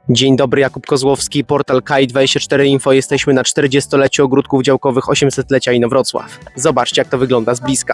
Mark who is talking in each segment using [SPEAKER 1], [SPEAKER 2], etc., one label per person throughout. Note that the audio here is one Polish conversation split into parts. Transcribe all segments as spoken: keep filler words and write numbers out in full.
[SPEAKER 1] Dzień dobry, Jakub Kozłowski, portal K I dwadzieścia cztery Info. Jesteśmy na czterdziestoleciu ogródków działkowych osiemsetlecia Inowrocław. Zobaczcie, jak to wygląda z bliska.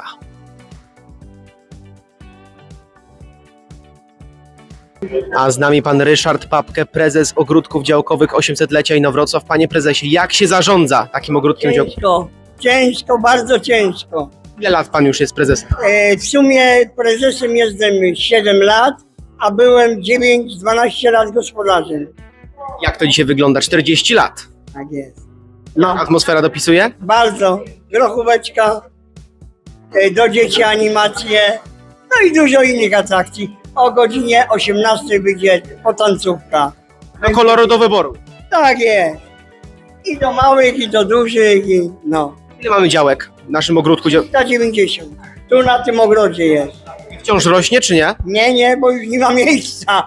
[SPEAKER 1] A z nami pan Ryszard Papke, prezes ogródków działkowych osiemsetlecia Inowrocław. Panie prezesie, jak się zarządza takim ogródkiem działkowym?
[SPEAKER 2] Ciężko, ciężko, bardzo ciężko.
[SPEAKER 1] Ile lat pan już jest prezesem?
[SPEAKER 2] E, w sumie prezesem jestem siedem lat, a byłem dziewięć dwanaście lat gospodarzem.
[SPEAKER 1] Jak to dzisiaj wygląda? czterdzieści lat.
[SPEAKER 2] Tak jest. No,
[SPEAKER 1] Atmosfera dopisuje?
[SPEAKER 2] bardzo. Grochóweczka, e, do dzieci animacje, no i dużo innych atrakcji. O godzinie osiemnastej będzie potancówka.
[SPEAKER 1] Do koloru do wyboru.
[SPEAKER 2] Tak jest. I do małych, i do dużych, i no.
[SPEAKER 1] Ile mamy działek w naszym ogródku? dział-
[SPEAKER 2] sto dziewięćdziesiąt. Tu na tym ogrodzie jest.
[SPEAKER 1] Wciąż rośnie, czy nie?
[SPEAKER 2] Nie, nie, bo już nie ma miejsca.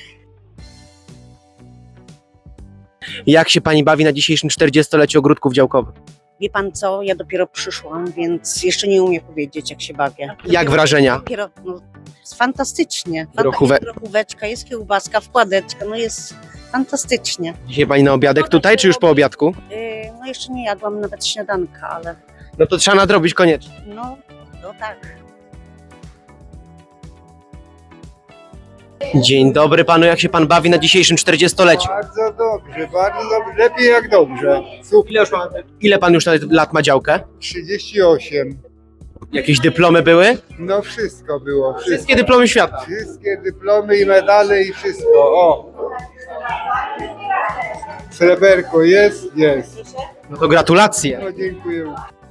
[SPEAKER 1] Jak się pani bawi na dzisiejszym czterdziestoleciu ogródków działkowych?
[SPEAKER 3] Wie pan co, ja dopiero przyszłam, więc jeszcze nie umiem powiedzieć, jak się bawię.
[SPEAKER 1] Jak wrażenia?
[SPEAKER 3] Dopiero, no, jest fantastycznie. Fanta-
[SPEAKER 1] Grochówe-
[SPEAKER 3] Jest grochóweczka, jest kiełbaska, wkładeczka, no jest fantastycznie.
[SPEAKER 1] Dzisiaj pani na obiadek tutaj, czy już po obiadku?
[SPEAKER 3] Yy, no jeszcze nie jadłam nawet śniadanka, ale
[SPEAKER 1] No to trzeba nadrobić koniecznie.
[SPEAKER 3] no, no tak.
[SPEAKER 1] Dzień dobry panu, jak się pan bawi na dzisiejszym czterdziestoleciu?
[SPEAKER 4] Bardzo dobrze, bardzo dobrze, lepiej jak dobrze. Super.
[SPEAKER 1] Ile, już ma, ile pan już lat ma działkę?
[SPEAKER 4] trzydzieści osiem.
[SPEAKER 1] Jakieś dyplomy były?
[SPEAKER 4] No wszystko było. Wszystko.
[SPEAKER 1] Wszystkie dyplomy świata.
[SPEAKER 4] Wszystkie dyplomy i medale i wszystko. O! Sreberko jest? Jest.
[SPEAKER 1] No to gratulacje.
[SPEAKER 4] No dziękuję.